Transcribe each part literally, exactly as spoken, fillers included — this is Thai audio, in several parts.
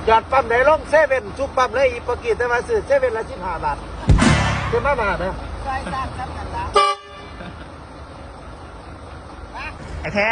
หยอดปั๊มไหนลงเซเว่นทุกปั๊มเลยอีปกีแต่มาซื้อเซเว่นละสิบห้าบาทเต็มมาบาทนะไอ้แท้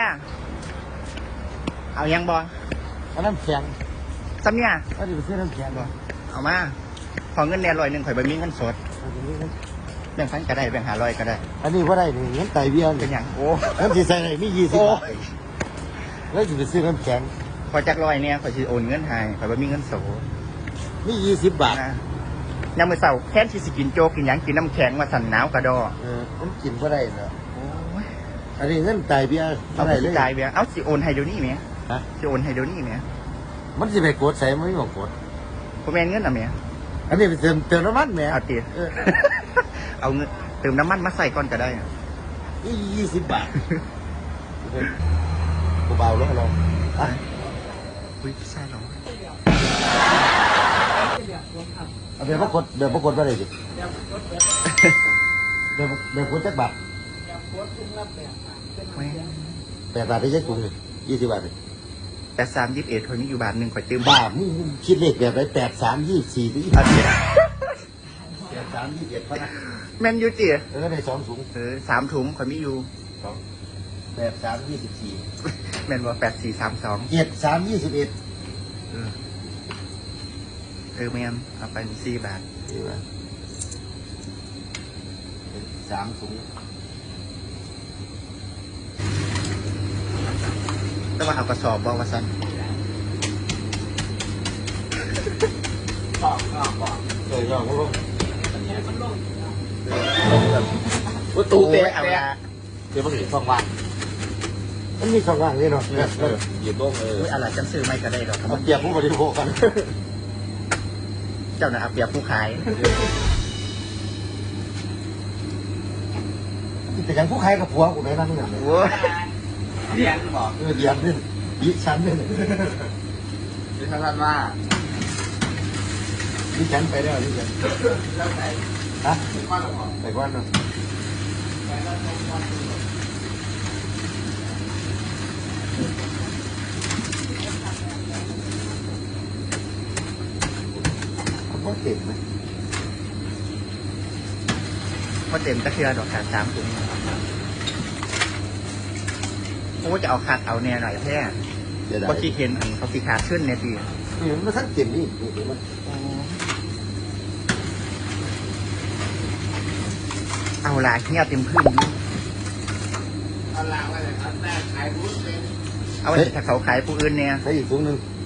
เอายังบออันนั้นแข็งซ้ำเนี่ยอันนี้เป็นเสื้อน้ำแข็งบ่เอามาขอเงินแน่ร้อยหนึ่งข่อยบะมีเงินสดแบ่งพันก็ได้แบ่งหาร้อยก็ได้อันนี้ว่าได้นี่เงินไตเบี้ยเป็นอย่างโอ้เงินที่ใส่ไหนมียี่สิบบาทโอ้แล้วจะไปซื้อน้ำแข็งขอจักร้อยเนี่ยข่อยจะโอนเงินให้ข่อยบะมีเงินสดมียี่สิบบาทนะยามมื้อเช้าแค่ที่สิกินโจ๊กกินหยังกินน้ำแข็งมาสั่นหนาวกระดอเออมันกินว่าได้เนาะโอ้ยอันนี้เงินไตเบี้ยเอาเท่าไหไปร่เลยจ่ายเบี้ยเอาสิโอนให้เดี๋ยวนี้ไหมฮะสิโอนให้เดี๋ยวนี้ไหมมันจะไปกดใส่มันไม่บอกกดผมแม่นเงินอ่ะไหมอันนี้ไปเติมเติมน้ำมันแหมเอาตีเออเอาเงินเติมน้ำมันมาใส่ก่อนก็ได้อะนี่ยี่สิบบาทกูเบาแล้วเราอ่ะอุ้ยใช่เหรอเอาเดี๋ยวพวกกดเดี๋ยวพวกกดมาเลยดิเดี๋ยวเดี๋ยวกดจักบาทแม่งแปดบาทได้ใช้ถุงเลยยี่สิบบาทเลยแปดสามยี่สิบเอ็ดคนนี้อยู่บาทหนึ่งข่อยเติมบ้ามึงคิดเลขแบบไรแปดสามยี่สี่ที่เอาตีแปดสามยี่สิบเอ็ดพะนะแม่นอยูจีเออในสองถุงเออสามถุงข่อยมีอยู่แปดสามยี่สิบสี่แม่นว่าแปดสี่สามสองเจ็ดสามยี่สิบเอ็ดเออเออแม่นเอาไปสี่บาทดีป่ะสามถุงแต่ว่าเอากระสอบบอกว่าสั้นเออยอดก็ลงประตูเตะเอาละเดี๋ยวมันมีช่องว่างมันมีช่องว่างนี่เนาะเออหยิบลงเอออุ้ยอะไรจังซื้อไม่ก็ได้หรอกเอาเปรียบผู้บริโภคกันเจ้าน่ะเอาเปรียบผู้ขายแต่ยังผู้ใครกับผัวกูไม่นั่งอย่างนี้โอ้ยเรียนบอกเออเดียนนี่ยิชั้นนี่ดิฉันว่ายิชั้นไปแล้วยิชั้นแล้วไหนฮะว่าหรอไปก่อนเนาะมันเต็มไหมว่าเต็มตะเคียนดอกขาดสามถุงโอ้จะเอาขาดเอาแน่หน่อยแท้เดี๋ยวได้เพราะที่เห็นอันเขาสีขาดขึ้นในปีนี่มันทั้งเต็มนี่นี่เห็นไหมเอาลายเงี้ยเต็มพื้นเอาลางไว้เลยเอาแต่ขายรู้เป็นเอาไว้ถ้าเขาขายผู้อื่นเนี่ยใช้อีกถุงหนึ่งอ